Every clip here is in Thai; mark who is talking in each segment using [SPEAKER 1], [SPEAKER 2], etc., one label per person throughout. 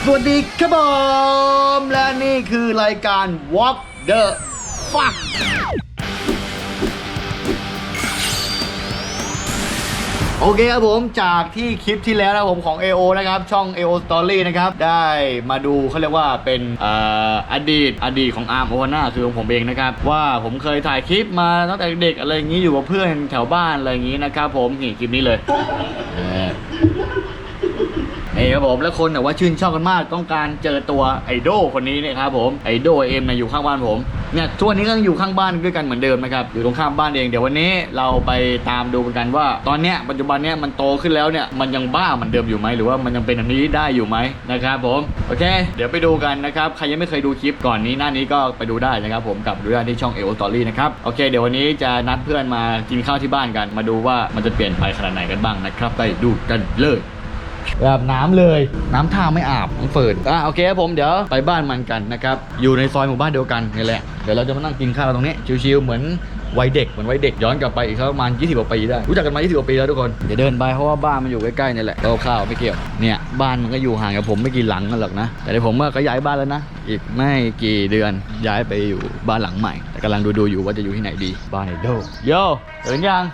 [SPEAKER 1] วัสดีครับผมและนี่คือรายการ Walk the Fuck โอเคครับผมจากที่คลิปที่แล้วนะผมของ AO นะครับช่อง AO Story นะครับได้มาดูเขาเรียกว่าเป็นอดีตของอาร์มโอฮาน่าคือของผมเองนะครับว่าผมเคยถ่ายคลิปมาตั้งแต่เด็กอะไรอย่างนี้อยู่กับเพื่อนแถวบ้านอะไรอย่างนี้นะครับผมนี่คลิปนี้เลยครับผมและคนแต่ว่าชื่นชอบกันมากต้องการเจอตัวไอดอลคนนี้นะครับผมไอดอลเอ็มอยู่ข้างบ้านผมเนี่ยทุกวันนี้ก็ยังอยู่ข้างบ้านด้วยกันเหมือนเดิมนะครับอยู่ตรงข้ามบ้านเองเดี๋ยววันนี้เราไปตามดูกันว่าตอนเนี้ยปัจจุบันเนี้ยมันโตขึ้นแล้วเนี่ยมันยังบ้าเหมือนเดิมอยู่ไหมหรือว่ามันยังเป็นแบบนี้ได้อยู่ไหมนะครับผมโอเคเดี๋ยวไปดูกันนะครับใครยังไม่เคยดูคลิปก่อนนี้หน้านี้ก็ไปดูได้นะครับผมกับดูได้ที่ช่อง AO Story นะครับโอเคเดี๋ยววันนี้จะนัดเพื่อนมากินข้าวที่บ้านกันมาดูว่ามันจะเปลี่ยนไปขนาดไหนกันบ้างนะครับไปดูกันเลยอาบน้ำเลยน้ำท่าไม่อาบต้องฝืนโอเคครับผมเดี๋ยวไปบ้านมันกันนะครับอยู่ในซอยหมู่บ้านเดียวกันนี่แหละเดี๋ยวเราจะมานั่งกินข้าวตรงนี้ชิวๆเหมือนวัยเด็กย้อนกลับไปอีกประมาณ20 กว่าปีได้รู้จักกันมา20 กว่าปีแล้วทุกคนเดี๋ยวเดินไปเพราะว่าบ้านมันอยู่ใกล้ๆนี่แหละข้าวไม่เกี่ยวเนี่ยบ้านมันก็อยู่ห่างกับผมไม่กี่หลังกันหรอกนะแต่เดี๋ยวผมก็ย้ายบ้านแล้วนะอีกไม่กี่เดือนย้ายไปอยู่บ้านหลังใหม่แต่กำลังดูอยู่ว่าจะอยู่ที่ไหนดีบ้านไอดอลโย่ตื่นยัง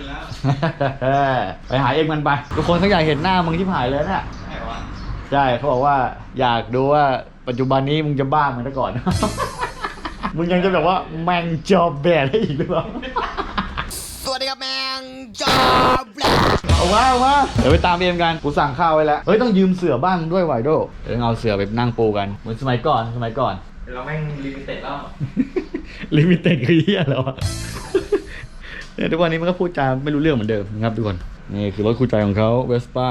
[SPEAKER 1] ไปหาเองมันไปทุกคนเขาอยากเห็นหน้ามึงที่ผ่ายเลยเนี่ยใช่เขาบอกว่าอยากดูว่าปัจจุบันนี้มึงจะบ้าเหมือนแต่ก่อน มึงยังจะแบบว่าแมงจอบแบดได้อีกหรือเปล่า
[SPEAKER 2] สวัสดีครับแมงจอบแบด
[SPEAKER 1] เอามาเดี๋ยวไปตามเอ็มกันกูสั่งข้าวไว้แล้วเฮ้ยต้องยืมเสื่อบ้างด้วยไวโดเดี๋ยวเอาเสื่อไปนั่งปูกันเหมือนสมัยก่อน
[SPEAKER 3] เราแม่งลิมิเต็ดแล้ว
[SPEAKER 1] ลิมิเต็ดคือเหี้ยแล้วเนี่ยทุกวันนี้มันก็พูดจาไม่รู้เรื่องเหมือนเดิมนะครับทุกคนนี่คือรถคู่ใจของเขาเวสป้า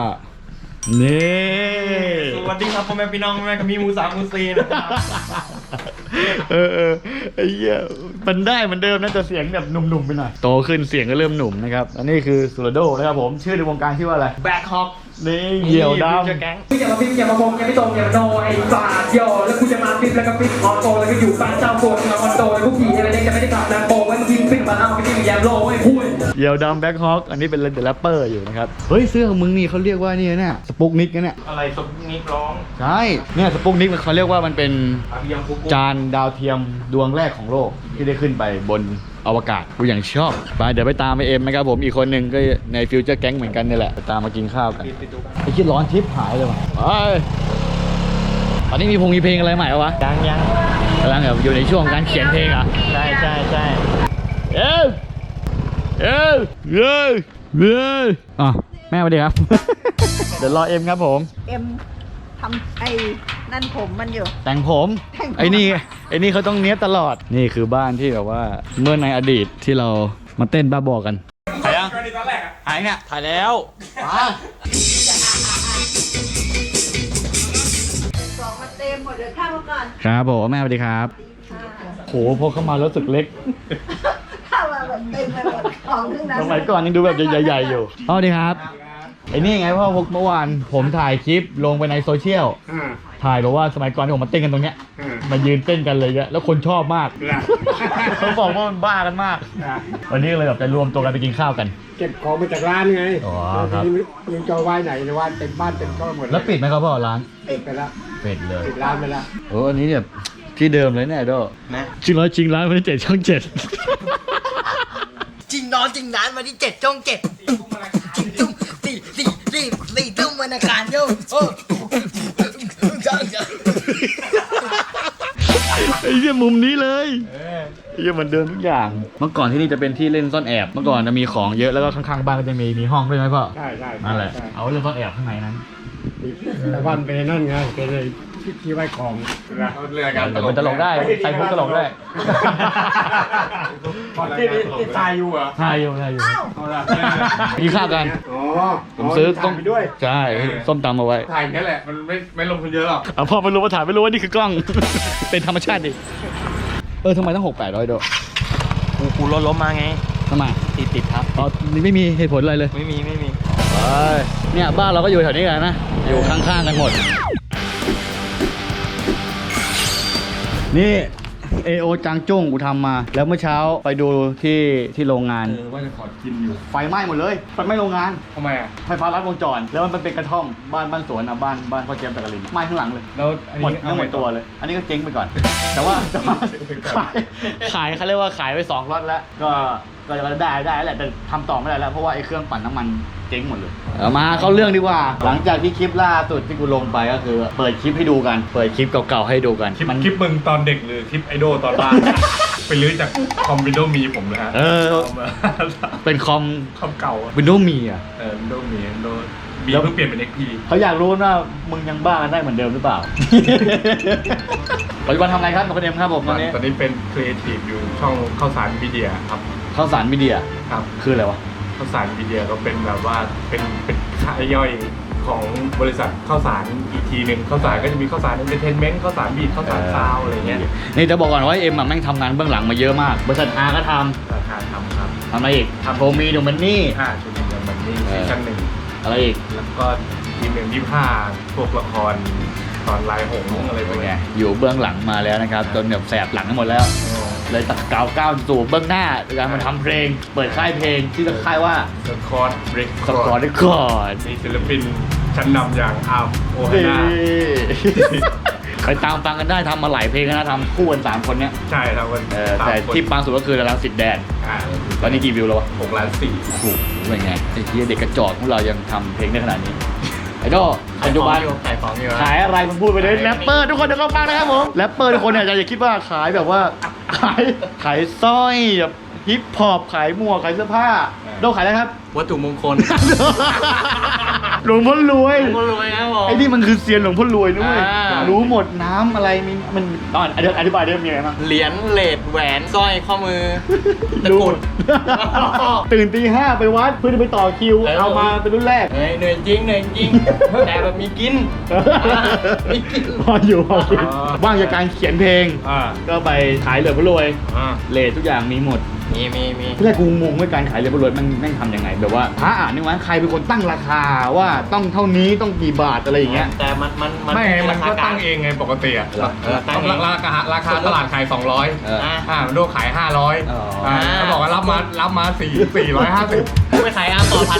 [SPEAKER 1] นี่
[SPEAKER 3] สวัสดีครับพ่อแม่พี่น้องแม่กับมีมูสามมูซีนะครับ
[SPEAKER 1] ไอ้เหี้ยมันได้เหมือนเดิมนะแต่เสียงแบบหนุ่มๆไปหน่อยโตขึ้นเสียงก็เริ่มหนุ่มนะครับอันนี้คือสุรโดนะครับผมชื่อในวงการชื่อว่าอะไร
[SPEAKER 3] แบ็คฮอป
[SPEAKER 1] นี่เหี่ยวดำ
[SPEAKER 3] อย่ามาพิมพ์อย่ามาพงอย่าไม่ตรงอย่ามาโนไอ้บาดโยแล้วกูจะมาพิมพ์แล้วก็พิมพ์คอโตแล้วก็อยู่บ้านเจ้าโกนมาคอนโตแล้วพวกผีอะไรเนี่ยจะไม่ได้กลับนะโบไว้มาพิมพ์มาเอาไปพิมพ์แยมโลไอ้พูด
[SPEAKER 1] เหี่ยวดำแบ็คฮอคอันนี้เป็นเดอะแรปเปอร์อยู่นะครับเฮ้ยเสื้อของมึงนี่เขาเรียกว่านี่นะสปุกนิกนะเนี่ย
[SPEAKER 3] อะไรสปุกนิกร้อง
[SPEAKER 1] ใช่เนี่ยสปุกนิกเขาเรียกว่ามันเป็นจานดาวเทียมดวงแรกของโลกที่ได้ขึ้นไปบนอวกาศกูอย่างชอบไปเดี๋ยวไปตามไปเอ็มนะครับผมอีกคนหนึ่งก็ในฟิวเจอร์แก๊งเหมือนกันนี่แหละไปตามมากินข้าวกันไอ้คิดร้อนทิปหายเลยว่ะตอนนี้มีเพลงอะไรใหม่วะ
[SPEAKER 3] ยัง
[SPEAKER 1] กำลังแบบอยู่ในช่วงการเขียนเพลงอ่ะ
[SPEAKER 3] ใช่
[SPEAKER 1] เแม่สวัสดีครับ เดี๋ยวรอเอ็มครับผม
[SPEAKER 2] เอ็มทำไอ้นั่นผมมันอยู่
[SPEAKER 1] แต่งผมไอ้นี่เขาต้องเนี้ยตลอดนี่คือบ้านที่แบบว่าเมื่อในอดีตที่เรามาเต้นบ้าบอกันถ่ายยังถ่ายเนี่ย
[SPEAKER 3] ถ่ายแล้ว
[SPEAKER 2] บอกมาเต็มหมดเลยข้าวก่อน
[SPEAKER 1] ครับผมแม่สวัสดีครับโหพอเข้ามาแล้วสึกเล็ก
[SPEAKER 2] ข้าวแบบเต็มไปหมดของทั้งนั้น
[SPEAKER 1] สมัยก่อนยังดูแบบใหญ่ๆอยู่สวัสดีครับไอ้นี่ไงพ่อเมื่อวานผมถ่ายคลิปลงไปในโซเชียลถ่ายบอกว่าสมัยก่อนที่ผมมาเต้นกันตรงเนี้ยมายืนเต้นกันเลยอะแล้วคนชอบมากเขาบอกว่ามันบ้ากันมากวันนี้เลยแบบจะรวมตัวกันไปกินข้าวกัน
[SPEAKER 4] เก็บของมาจากร้านไง
[SPEAKER 1] อ๋อครับ
[SPEAKER 4] ยังจะไว้ไหนในว่าเต็มบ้านเต็มช่องหมด
[SPEAKER 1] แล้วปิดไหมครับพ่อร้าน
[SPEAKER 4] ปิดไปแล้ว
[SPEAKER 1] ปิดเลย
[SPEAKER 4] ปิดร้านไปแล้ว
[SPEAKER 1] อันนี้เนี่ยที่เดิมเลยเนี่ยโดนะจริงร้านวันที่7 ช่อง 7
[SPEAKER 2] จริงร้านวันที่7 ช่อง 7จริงตุ้มสี่ตุ้มวันอังคารโย่
[SPEAKER 1] ไอ้เหี้ยมุมนี้เลยไอ้เหี้ยมันเดินทุกอย่างเมื่อก่อนที่นี่จะเป็นที่เล่นซ่อนแอบเมื่อก่อนจะมีของเยอะแล้วก็ข้างๆบ้านก็จะมีห้องด้วยไหมพ่อ
[SPEAKER 4] ใช่
[SPEAKER 1] นั่นแหละเอาเล่นซ่อนแอบข้างในนั้น
[SPEAKER 4] แต่บ้านเป็นนั่นไงเป็นเลยที่ไว้ของ
[SPEAKER 3] เรื่องการ
[SPEAKER 1] มันตลกได้ใส่พุกตลกได้
[SPEAKER 3] ที่ทายอยู่เหรอ
[SPEAKER 1] ทายอยู่กินข้าวกันผมซื้อต้มใช่ส้มตำเอาไว้
[SPEAKER 3] ถ่ายแค่แหละมันไม่ลงทุนเยอะหรอก
[SPEAKER 1] พ่อไม่รู้ว่าถ่ายไม่รู้ว่านี่คือกล้องเป็นธรรมชาติดิทำไมต้อง600-800โด
[SPEAKER 3] กูรถล้มมาไง
[SPEAKER 1] ทำไม
[SPEAKER 3] ติดครับ
[SPEAKER 1] อ๋อนี่ไม่มีเหตุผลอะไรเลย
[SPEAKER 3] ไม่มี
[SPEAKER 1] เนี่ยบ้านเราก็อยู่แถวนี้กันนะอยู่ข้างๆกันหมดนี่ AO จางจุ้งกูทำมา แล้วเมื่อเช้าไปดูที่โรงงาน
[SPEAKER 5] ว่าจะขอกินอยู่
[SPEAKER 1] ไฟไหม้หมดเลยไฟไหม้โรงงาน
[SPEAKER 5] ทำไมอ่ะ
[SPEAKER 1] ไฟฟ้าลัดวงจร แล้วมันเป็นกระท่อมบ้านสวนอ่ะบ้านพ่อเจมส์ตะกลินไหม้ข้างหลังเลย
[SPEAKER 5] แล้วอัน
[SPEAKER 1] หมด
[SPEAKER 5] นี้
[SPEAKER 1] ทั้งหมดตัวเลย อันนี้ก็เจ๊งไปก่อน แต่ว่าขายเขาเรียกว่าขายไป2 ล็อตแล้ว ก็ได้แหละ แต่ทำต่อไม่ได้แล้ว เพราะว่าไอ้เครื่องปั่นน้ำมันเจ๊งหมดเลยมาเข้าเรื่องดีกว่า หลังจากที่คลิปล่าสุดที่กูลงไปก็คือ เปิดคลิปให้ดูกัน เปิดคลิปเก่าๆให้ดูกัน
[SPEAKER 5] คลิปมึงตอนเด็กหรือคลิปไอดอลตอนบ้าน ไปลื้อจากคอมวินโดว์มีผมเลยฮะ เอามา
[SPEAKER 1] เป็นคอม
[SPEAKER 5] คอมเก่า
[SPEAKER 1] Windows มีอ่ะ
[SPEAKER 5] วินโดว์มีวินโดว์มี
[SPEAKER 1] แล้ว
[SPEAKER 5] เพิ่งเปลี่ยนเป็น XP
[SPEAKER 1] เขาอยากรู้ว่ามึงยังบ้ากันได้เหมือนเดิมหรือเปล่า ปัจจุบันทำอะไรครับคุณเอ็มครับผมตอนนี้
[SPEAKER 5] ตอนนี้เป็นครีเอทีฟอยู่ช่องข้าวสารมีเดียครับ
[SPEAKER 1] ข้าวสารมีเดีย
[SPEAKER 5] ครับ
[SPEAKER 1] คืออะไรวะ
[SPEAKER 5] ข้าวสารมีเดียก็เป็นแบบว่าเป็นค่ายย่อยของบริษัทข้าวสารอีกทีหนึ่งข้าวสารก็จะมีข้าวสารเอนเตอร์เทนเมนต์ข้าวสารบีทข้าวสารซาวอะไรเงี้ย
[SPEAKER 1] นี่จะบอกก่อนว่าเอ็มอะแม่งทำงานเบื้องหลังมาเยอะมาก บริษัทอาก็ท
[SPEAKER 5] ราคาทำครับ
[SPEAKER 1] ำอะไรอีกโทมีดูมันนี่
[SPEAKER 5] ชุดนี้มันนี่ซีซั่นหนึ่ง
[SPEAKER 1] อะไรอีก
[SPEAKER 5] แล้วก็ทีม1 25พวกละครตอนลายหงส์อะไรพวก
[SPEAKER 1] ไง
[SPEAKER 5] เนี้ย
[SPEAKER 1] อยู่เบื้องหลังมาแล้วนะครับ จนแบบแสบหลังทั้งหมดแล้ว เลยตัดก้าวสู่เบื้องหน้าโดยการมาทำเพลง เปิดค่ายเพลงที่จะค่ายว่า
[SPEAKER 5] สกอตเบรก
[SPEAKER 1] สกอร์ดก่อน
[SPEAKER 5] มีศิลปินชั้นนำอย่างอาร์มโอฮา
[SPEAKER 1] นี่
[SPEAKER 5] น่า
[SPEAKER 1] ไปตามฟังกันได้ทำมาหลายเพลงแล้วนะทำคู่กัน3 คนเนี้ย
[SPEAKER 5] ใช่ครับวัน
[SPEAKER 1] แต่ที่ปังสุดก็คือรังสิตแดนตอนนี้กี่วิวแล้ววะ
[SPEAKER 5] 6 ล้าน 4
[SPEAKER 1] โอ้โหเป็นไงไอ้ที่เด็กกระจอกของเรายังทำเพลงได้ขนาดนี้ ไอ้ก็ปัจจุบัน
[SPEAKER 5] ขายของอยู่
[SPEAKER 1] ขายอะไรมึงพูดไปเลยแรปเปอร์ทุกคนเดี๋ยวก็ฟังนะครับผมแรปเปอร์ทุกคนเนี่ยอย่าคิดว่าขายแบบว่าขายสร้อยแบบฮิปฮอปขายหมวกขายเสื้อผ้าโดขายอะไรครับ
[SPEAKER 2] วัตถุมงคล
[SPEAKER 1] หลวงพ่อรวย
[SPEAKER 2] คนรวยครับผม
[SPEAKER 1] ไอ้นี่มันคือเซียนหลวงพ่อรวยด้วย
[SPEAKER 2] อ่า
[SPEAKER 1] รู้หมดน้ำอะไรมีมันตอนอธิบายได้มีอะไรบ้าง
[SPEAKER 2] เหรียญเลดแหวนสร้อยข้อมือตะกรุด
[SPEAKER 1] ตื่นตี 5ไปวัดเพื่อจะไปต่อคิว เอามาเป็นรุ่นแรก
[SPEAKER 2] เฮ้ยเหนื่อยจริงเหนื่อยจริง แต่แบบมีกิน มีกิน
[SPEAKER 1] พออยู่พอกินว่างจากการเขียนเพลง ก็ไปขายเหลือพรวยเลททุกอย่างมีหมด
[SPEAKER 2] มี
[SPEAKER 1] ที่แรกกูงงว่าการขายเหลือพรวยแม่งทำยังไงแบบว่าพระอ่านนี่วะใครเป็นคนตั้งราคาว่าต้องเท่านี้ต้องกี่บาทอะไรอย่างเงี้ย
[SPEAKER 2] แต่มัน
[SPEAKER 5] ไม่มันก็ตั้งเองไงปกติอะ
[SPEAKER 2] ตั้งเอง
[SPEAKER 5] ราคาตลาดขาย 200 มันโดขาย 500เขาบอกว่ารับมา450
[SPEAKER 2] กูไปขายต่อ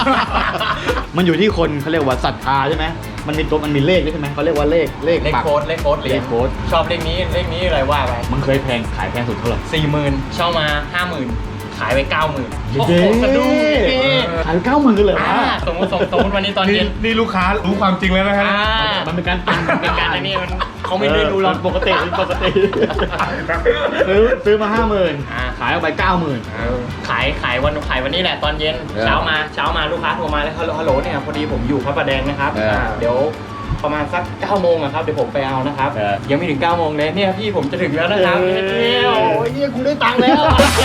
[SPEAKER 2] 1,000
[SPEAKER 1] มันอยู่ที่คนเขาเรียกว่าศรัทธาใช่ไหมมันมีเลขด้วยใช่ไหมเขาเรียกว่าเลข
[SPEAKER 2] เลข
[SPEAKER 1] ปัก
[SPEAKER 2] โค้ดเลขโค้ดเหรียญ
[SPEAKER 1] เลขโค้ด
[SPEAKER 2] ชอบเลขนี้อะไรว่าไป
[SPEAKER 1] มันเคยขายแพงสุดเท่าไหร่
[SPEAKER 2] 40,000เช่ามา 50,000 ขายไป 90,000 โอ้โห
[SPEAKER 1] เย้
[SPEAKER 2] สะดุ้งพี่
[SPEAKER 1] ขายไป90,000เลยเหรอ
[SPEAKER 2] สมมติวันนี้ตอนเย็น
[SPEAKER 5] นี่ลูกค้ารู้ความจริงแล้วนะฮะ
[SPEAKER 1] มันเป็นการปั่น
[SPEAKER 2] เป็นการอันนี้มันเขาไม่ได้ดูเรา
[SPEAKER 1] ปกติซื้อมา 50,000 ขายออกไป 90,000
[SPEAKER 2] ขายวันนี้แหละตอนเย็น
[SPEAKER 1] เออ
[SPEAKER 2] เช้ามาลูกค้าโทรมาแล้วฮัลโหลเนี่ยพอดีผมอยู่พระประแดงนะครับ เดี๋ยวประมาณสัก9 โมงอะครับเดี๋ยวผมไปเอานะครับยังไม่ถึง9 โมงเลยเนี่ยพี่ผมจะถึงแล้วนะครับเนี่ยโอ้ยเนี่ยกูได้ตังค์แล้ว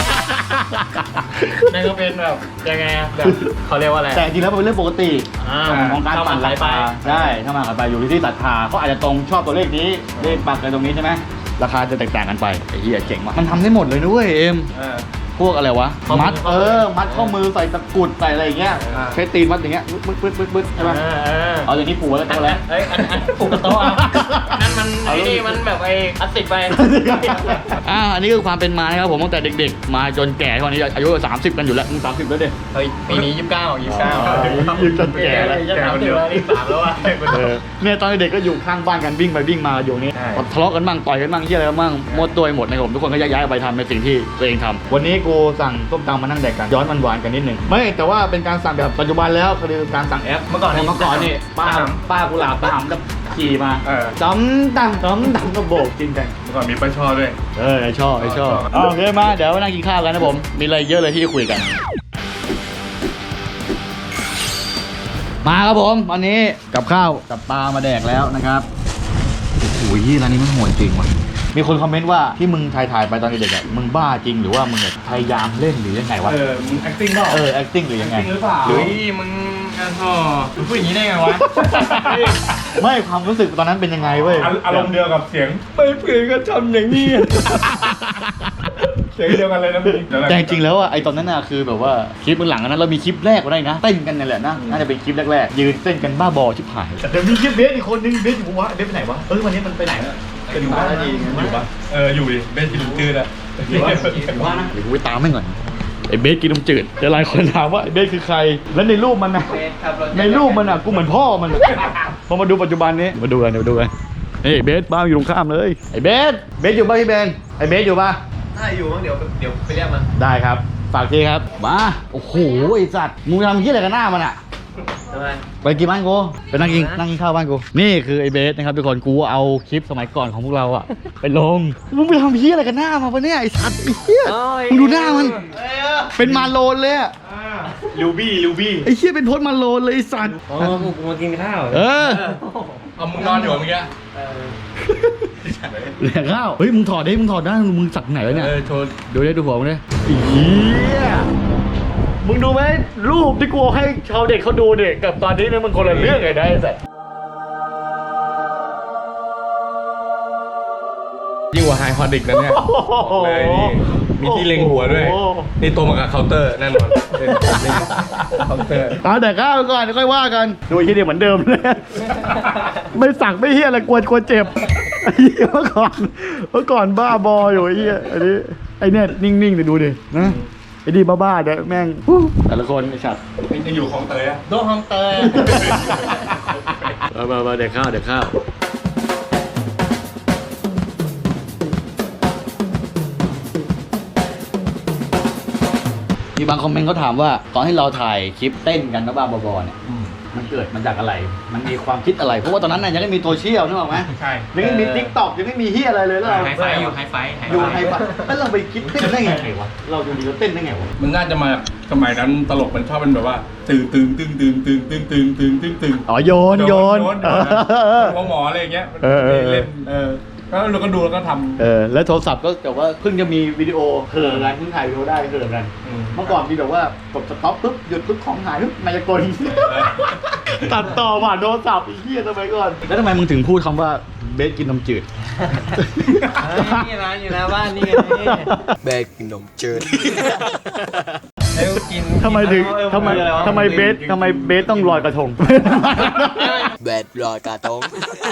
[SPEAKER 2] นั่นก็เป็นแบบยังไงอะแบบเขาเรียกว่าอะไร
[SPEAKER 1] แต่จริงแล้วมันเป็นเรื่องปกติ ของการปั่น
[SPEAKER 2] ไหล
[SPEAKER 1] รา
[SPEAKER 2] ไป
[SPEAKER 1] คาได้ถ้ามากันไปอยู่ที่ศรัทธาเขาอาจจะตรงชอบตัวเลขนี้เลขปักอะไรตรงนี้ใช่ไหมราคาจะแตกต่างกันไปไอ้เหี้ยเจ๋งมากมันทำได้หมดเลยนะเว้ยเอ็มพวกอะไรวะมัดมัดข้อมือใส่ตะกรุดใส่อะไรอย่างเงี้ยใช้ตีนมัดอย่างเงี้ยบึ๊ดใช่ไหมเอาอย่างนี้ผูกแล้วก็แล้ว
[SPEAKER 2] เอ้ยอันผูกกับโต๊ะเอานั่นมันไอ้นี่มันแบบไอ้พลาสติกไป
[SPEAKER 1] อันนี้คือความเป็นมานะครับผมตั้งแต่เด็กๆมาจนแก่ตอนนี้อายุ30กันอยู่แล้วมึง30แล้วเด็ก
[SPEAKER 2] เฮ้ยปีนี้29
[SPEAKER 1] ยืนจนแก่แล้ว
[SPEAKER 2] จะ30แล้วนี่3แล้วอ่ะ
[SPEAKER 1] เนี่ยตอนเด็กก็อยู่ข้างบ้านกันวิ่งไปวิ่งมาอยู่นี่ทะเลาะกันบ้างต่อยกันบ้างเหี้ยอะไรกันบ้างหมดตัวหมดนะครับผมทุกคนก็ย้ายๆไปทำในสิ่งที่ตัวเองทำวันนี้กูสั่งส้มตำมานั่งแดกกันย้อนหวานๆกันนิดนึงไม่แต่ว่าเป็นการสั่งแบบปัจจุบันแล้วคือการสั่งแอปเมื่อก่อนนี่ป้ากุหลาบป้าหำกับขี่มาจ้ำตำก็โบกกินกัน
[SPEAKER 5] เมื่อก่อนมีป้าช่อด้วย
[SPEAKER 1] ไอชอบโอเคมาเดี๋ยวมานั่งกินข้าวกันนะผมมีอะไรเยอะเลยที่จะคุยกัน มาครับผมวันนี้กับข้าวกับปลามาแดกแล้วนะครับโอ้ยร้านนี้มันโหดจริงว่ะมีคนคอมเมนต์ว่าที่มึงถ่ายไปตอนเด็กๆอะมึงบ้าจริงหรือว่ามึงแบบพยายามเล่นหรือยังไงวะ
[SPEAKER 5] มึง acting เปล่า
[SPEAKER 1] acting หรือยังไง
[SPEAKER 5] acting หรือเปล่า
[SPEAKER 1] หรือ
[SPEAKER 2] มึงพูดอย่างนี้ได้ไงวะ
[SPEAKER 1] ไม่ความรู้สึกตอนนั้นเป็นยังไงเว้ย
[SPEAKER 5] อารมณ์เดียวกับเสียงไม่เพื่อนก็ทำอย่างนี้ เสียงเดียวกันเลยนะพี่
[SPEAKER 1] แต่จริงๆแล้วอ่ะไอตอนนั้นน่ะคือแบบว่าคลิปเบื้องหลังนั้นเรามีคลิปแรกก็ได้นะเต้นกันนี่แหละนะน่าจะเป็นคลิปแรกๆยืนเต้นกันบ้าบอชิบหายเดี๋ยวมีคลิปเบสอีกคนนึงเบสอยู่วะเบสไปไหนวะวันนี้มันไปไหน
[SPEAKER 5] อยู่บ้านดีอยู่ปะอยู่ดิเบสกินจืดอะ
[SPEAKER 1] ว่านะเดี๋ยวกูไปตามให้ก่อนไอ้เบสกินนมจืดเดี๋ยวหลายคนถามว่าไอ้เบสคือใครแล้วในรูปมันนะในรูปมันอ่ะกูเหมือนพ่อมันอะพอมาดูปัจจุบันนี้มาดูกันเฮ้ยเบสบ้านอยู่ตรงข้ามเลยไอ้เบสอยู่ป่ะพี่เบนไอ้เบสอยู่ป่ะ
[SPEAKER 2] ถ้าอยู่มั้งเดี๋ยวไปเรียกมัน
[SPEAKER 1] ได้ครับฝากทีครับมาโอ้โหไอ้สัตว์มึงทำเหี้ยอะไรกันหน้ามันอ่ะ
[SPEAKER 2] ทำไม
[SPEAKER 1] ไปกินบ้านกูไปนั่งกินข้าวบ้านกูนี่คือไอ้เบสนะครับทุกคนกูเอาคลิปสมัยก่อนของพวกเราอ่ะไปลงมึงไปทำเหี้ยอะไรกันหน้ามาปะเนี่ยไอ้สัตว์ไอ้เหี้ยมึงดูหน้ามันเป็นมาโลนเลยอะ
[SPEAKER 5] ลูบี้
[SPEAKER 1] ไอ้เหี้ยเป็นพจน์มาโลนเลยไอ้สัตว์
[SPEAKER 2] อ๋อกูมากินข้าว
[SPEAKER 5] เอามึงนอนอยู่เมื่อกี้
[SPEAKER 1] เหลือข้าวเฮ้ยมึงถอดได้มึงสักไหนวะเนี่ย
[SPEAKER 5] โชว์
[SPEAKER 1] ดูได้ดูหัวมึงได้ไอ้เหี้ยมึงดูไหมรูปที่กูให้ชาวเด็กเขาดูเนี่ยกับตอนนี้เนี่ยมันคนละเรื่องไงได้แต่
[SPEAKER 5] ยิ่งกว่าไฮคอนิกนะเนี่ยบอกเลยนี่มีที่เล็งหัวด้วยนี่ตัวมากับเคาน์เตอร์แน่นอนเคาน์เตอร์
[SPEAKER 1] เอาแต่ข้าวก่อนเดี๋ยวค่อยว่ากันดูที่เดียวเหมือนเดิมเลย ไม่สั่งไม่เฮี้ยอะไรกลัวเจ็บไอ้เหี้ยเมื่อก่อนบ้าบออยู่ไอ้เหี้ยอันนี้ไอ้เนี่ยนิ่งๆเดี๋ยวดูดินะไอ้ดีบ้าๆเดี๋ยวแม่งแต่ละคนไอ้ฉัด
[SPEAKER 5] ยังอยู่ของเตยอะ
[SPEAKER 2] โดนฮังเตอร์
[SPEAKER 1] มาเดี๋ยวข้าวมีบางคอมเมนต์เขาถามว่าตอนที่เราถ่ายคลิปเต้นกันนะบ้าบอๆเนี่ยมันเกิดมาจากอะไร มันมีความคิดอะไร เพราะว่าตอนนั้นน่ะยังไม่มีโซเชียลนึกออกไหม
[SPEAKER 5] ใช่
[SPEAKER 1] ยังไม่มีทิกตอกยังไม่มีเฮียอะไรเลยแล้วเรา
[SPEAKER 2] ไฮไฟอยู่ไฮไฟ
[SPEAKER 1] อยู่ไฮไฟแล้วเราไปคิดเต้นได้ไงวะเราดูดีเราเต้นได้ไงวะ
[SPEAKER 5] มันน่าจะมาสมัยนั้นตลกมันชอบเป็นแบบว่าตึง
[SPEAKER 1] อ๋อโยน
[SPEAKER 5] หมออะไรอย่างเงี้ย
[SPEAKER 1] เออ
[SPEAKER 5] เล่นแล้วเราก็ดูแล้วก็ทำ
[SPEAKER 1] แล้วโทรศัพท์ก็แบบว่าเพิ่งจะมีวิดีโอเขินกันเพิ่งถ่ายวิดีโอได้เขินกัน เมื่อก่อนมีแบบว่ากดสต็อปปุ๊บหยุดปุ๊บของหายปุ๊บมายากล ตัดต่อผ่านโทรศัพท์ไอ้เหี้ยสมัยก่อนแล้วทำไมมึงถึงพูดคำว่าเบสกินนมจืด
[SPEAKER 2] นี่ร้านอยู่หน้าบ้านนี่ไง
[SPEAKER 6] แบกกินนมจืด
[SPEAKER 2] เร็วกิน
[SPEAKER 1] ทำไมเบสต้องลอยกระทง
[SPEAKER 6] แบดลอยกระทง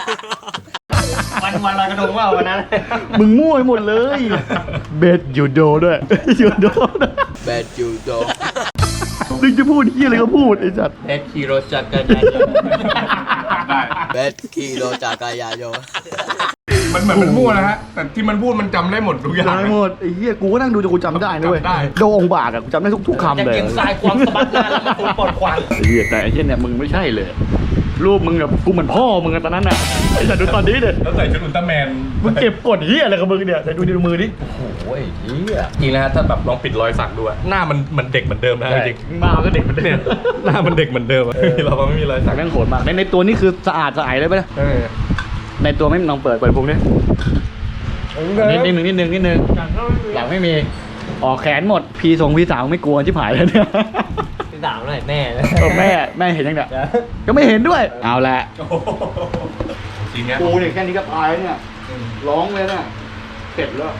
[SPEAKER 2] วันลอยกระทงว่าวันนั้น
[SPEAKER 1] มึงมั่วไปหมดเลย เบสยูโดด้วย ยูโดด้วย
[SPEAKER 6] แบดยูโด
[SPEAKER 1] นึกจะพูดเหี้ยอะไรก็พูดไอ้สัตว์
[SPEAKER 2] เด็ดขี่รถจักรยานยนต์
[SPEAKER 5] ได้
[SPEAKER 6] แบดขี่รถจักรยานยนต์
[SPEAKER 5] มันเหมือนมันมั่วนะฮะแต่ที่มันพูดมันจำได้หมดทุกอย่าง
[SPEAKER 1] ได้หมดไอ้เหี้ยกูก็นั่งดูจนกูจำได้นะเว้ย
[SPEAKER 5] จำได้
[SPEAKER 1] โดองค์บากอะกูจำได้ทุกคำเลย
[SPEAKER 2] เกียงทรายความสะบัดหน้าแล้วมันปวดควัน
[SPEAKER 1] ไอ้เหี้ยแต่ไอ้เหี้ยเนี่ยมึงไม่ใช่เลย รูปมึงแบบกูเหมือนพ่อมึงอะตอนนั้นน่ะไอ้สัตว์ดูตอนนี้เนี่ย
[SPEAKER 5] แล้วใส่ชุดอุลตร้าแมน
[SPEAKER 1] มึงเก็บกดเหี้ยอะไรกับมึงเนี่ยแต่ดูดิดูมือดิ
[SPEAKER 5] โอ้ยเฮียจริงนะฮะถ้าแบบลองปิดรอยสักดูอะหน้ามันเด็กเหมือนเดิมนะจริง
[SPEAKER 1] มาก็เด็กเหมือนเดิ
[SPEAKER 5] เนี่ย
[SPEAKER 1] ม
[SPEAKER 5] หน้ามันเด็กเหมือนเดิมอะเราไม่มีรอยสั
[SPEAKER 1] สั
[SPEAKER 5] ก
[SPEAKER 1] กแม่งโหดมากในตัวนี่คือสะอาดสะอาดเลยปะเนี่ย
[SPEAKER 5] เออ
[SPEAKER 1] ในตัวไม่ลองเปิดพุงดินิดนึงหลังไม่มีออกแขนหมดพี่สาวไม่กลัวชิบหายเลยเนี่ย
[SPEAKER 2] ที่สามเลยแม่เลย
[SPEAKER 1] แม่เห็นยังเนี่ยก็ไม่เห็นด้วยเอาละ
[SPEAKER 5] โอ้โหจริงเนี้ย
[SPEAKER 1] กูเนี่ยแค่นี้ก็ตายเนี่ยร้องเลยเนี่ยเสร็จแล้ว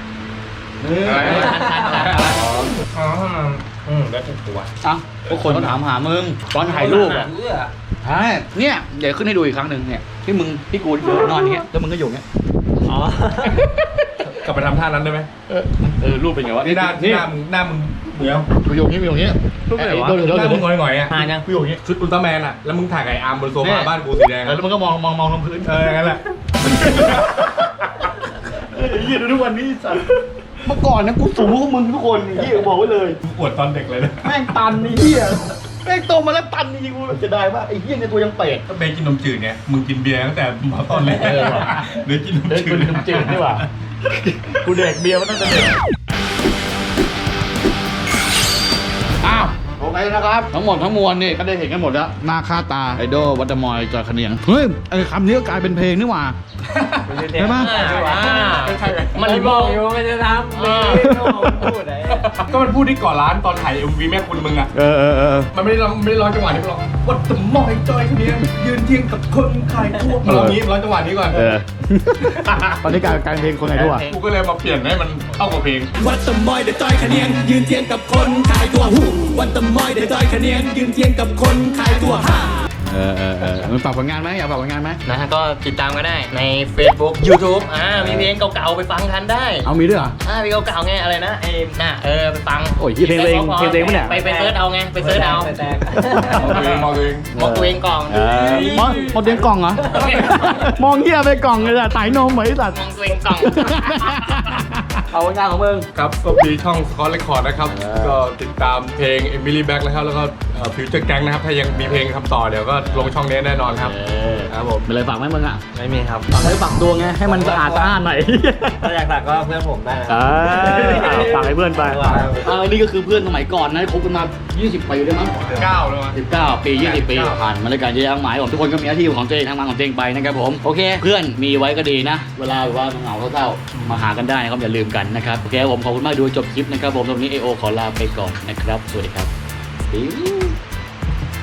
[SPEAKER 5] แล้วถูกตัว
[SPEAKER 1] อ่ะทุกคนเขาถามหามึงตอนถ่ายรูปอ่ะใช่เนี่ยเดี๋ยวขึ้นให้ดูอีกครั้งหนึ่งเนี่ยที่กูนอนอย่างเงี้ยแล้วมึงก็อยู่อย่างเงี้ย
[SPEAKER 2] อ๋อก
[SPEAKER 5] ลับไปทำท่านั้นได้ไหม
[SPEAKER 1] รูปเป็นไงวะ
[SPEAKER 5] นี่หน้ามึงเดี๋ยว
[SPEAKER 1] กูอยู่อย่างเงี้ย
[SPEAKER 5] รูปไหนวะ
[SPEAKER 1] โดน
[SPEAKER 5] หน้ามึงหงอยๆอ่ะ
[SPEAKER 2] หายัง
[SPEAKER 5] กูอยู่อย่างงี้ชุดอุลตร้าแมนอ่ะแล้วมึงถ่ายไก่อาร์มบนโซฟาบ้านกูสีแดง
[SPEAKER 1] แล้วมันก็มองลงพื้น
[SPEAKER 5] อย่างนั้นแหละ
[SPEAKER 1] เหี้ยดูทุกวันนี้สัตว์เมื่อก่อนนะกูสูงกว่ามึงทุกคนเหี้ยบอกไว้เลย
[SPEAKER 5] อวดตอนเด็กเลยนะ
[SPEAKER 1] แม่งตันไอ้เหี้ยแม่งโตมาแล้วตันจริงๆกูจะได้ป่ะไอ้เหี้ยในตัวยังเป็ด
[SPEAKER 5] ถ้าเบย์กินนมจืดเนี่ยมึงกินเบียร์ตั้งแต่ตอนแรก
[SPEAKER 1] ว่ะ
[SPEAKER 5] เดี๋ยวกินนม
[SPEAKER 1] เด็ก
[SPEAKER 5] จื
[SPEAKER 1] กู
[SPEAKER 5] ด
[SPEAKER 1] ดื่มจืดนี่หว่ากูเด็กเบียร์มาตั้งแต่เด็กอ้าวโอเคนะครับทั้งหมดทั้งมวลนี่ก็ได้เห็นกันหมดแล้วหน้าค่าตาไอดอลวัดดมอยจอยขะเนียงเฮ้ยไอคำนี้ก็กลายเป็นเพลงนี่หว่า ใช่ปะ
[SPEAKER 2] มันบอกอยู่ไม่จะทำพูดอะไร
[SPEAKER 5] ก็มันพูดที่ก่อนร้านตอนถ่าย MV แม่คุณมึงอ่ะ
[SPEAKER 1] เออ
[SPEAKER 5] มันไม่ได้ร้องจังหวะนี้มันร้องวัดตะมอยจอยคนนี้ยืนเทียงกับคนขายทั่วมันร้องนี้มันร้องจังหวะนี้ก่อน
[SPEAKER 1] ตอนนี้กลายเป็นเพลงคนไหนด้วย
[SPEAKER 5] กูก็เลยมาเปลี่ยนให้มันเข้ากับเพลง
[SPEAKER 7] วัดตะมอยเดจอยคะเนียงยืนเทียงกับคนขายตัวหูวัดตะมอยเดจอยคะเนียงยืนเทียงกับคนขายตัวห่า
[SPEAKER 1] มันฝากผลงานไหมอยากฝากผลงานไหม
[SPEAKER 2] นะฮะก็ติดตามก็ได้ใน Facebook YouTube มีเพลงเก่าๆไปฟังกันได้
[SPEAKER 1] เอามีด้วยเหรอ
[SPEAKER 2] เพลงเก่าๆไงอะไรนะไปฟัง
[SPEAKER 1] โอ้ยเพลงตัวเองเพลงตัวเองปะเนี่ย
[SPEAKER 2] ไปเซิร์ชเอาไงไปเซิร์ชเอา
[SPEAKER 5] มองตัวเอง
[SPEAKER 2] มองตัวเองก่อน
[SPEAKER 1] มองเตียงกล่องเหรอ มองเหี้ยไปกล่องเลยอะไต่นมเหมือนไอ้สัตว์
[SPEAKER 2] มองตัวเองก่อน
[SPEAKER 1] เอาผลงานของมึง
[SPEAKER 5] ครับก็มีช่องสกอตเรคคอร์ดนะครับก็ติดตามเพลง Emily Back นะครับแล้วก็ฟิวเจอร์แก๊งนะครับถ้ายังมีเพลงทำต่อเดี๋ยวก็ลงช่องนี้แน่นอนครับครับผม
[SPEAKER 1] เป็นไรฝากไหมมึงอ่ะ
[SPEAKER 2] ไม่มีครับ
[SPEAKER 1] ฝากไว้ฝากตัวไงให้มันสะอาดสะอ้านหน่อย
[SPEAKER 2] ถ้าอยากฝากก็เพื่อนผมได้นะ
[SPEAKER 1] ฝากให้เพื่อนไปนี่ก็คือเพื่อนสมัยก่อนนะคบกันมา 20 ปีได้มั้ง
[SPEAKER 5] 9แล้วมั้ง
[SPEAKER 1] 19 ปี 20 ปีผ่านมาด้วยกันเยอะแยะมากมายผมทุกคนก็มีหน้าที่ของตัวเองทำงานของตัวเองไปนะครับผมโอเค เพื่อนมีไว้ก็ดีนะ เวลาแบบว่าเหงาเศร้าๆมาหากันได้นะครับอย่าลืมกันนะครับโอเคผมขอบคุณมากดูจบคลิปนะครับผมตรงนี้ AO ขอลาไปก่อนนะครับสวัสดีครับ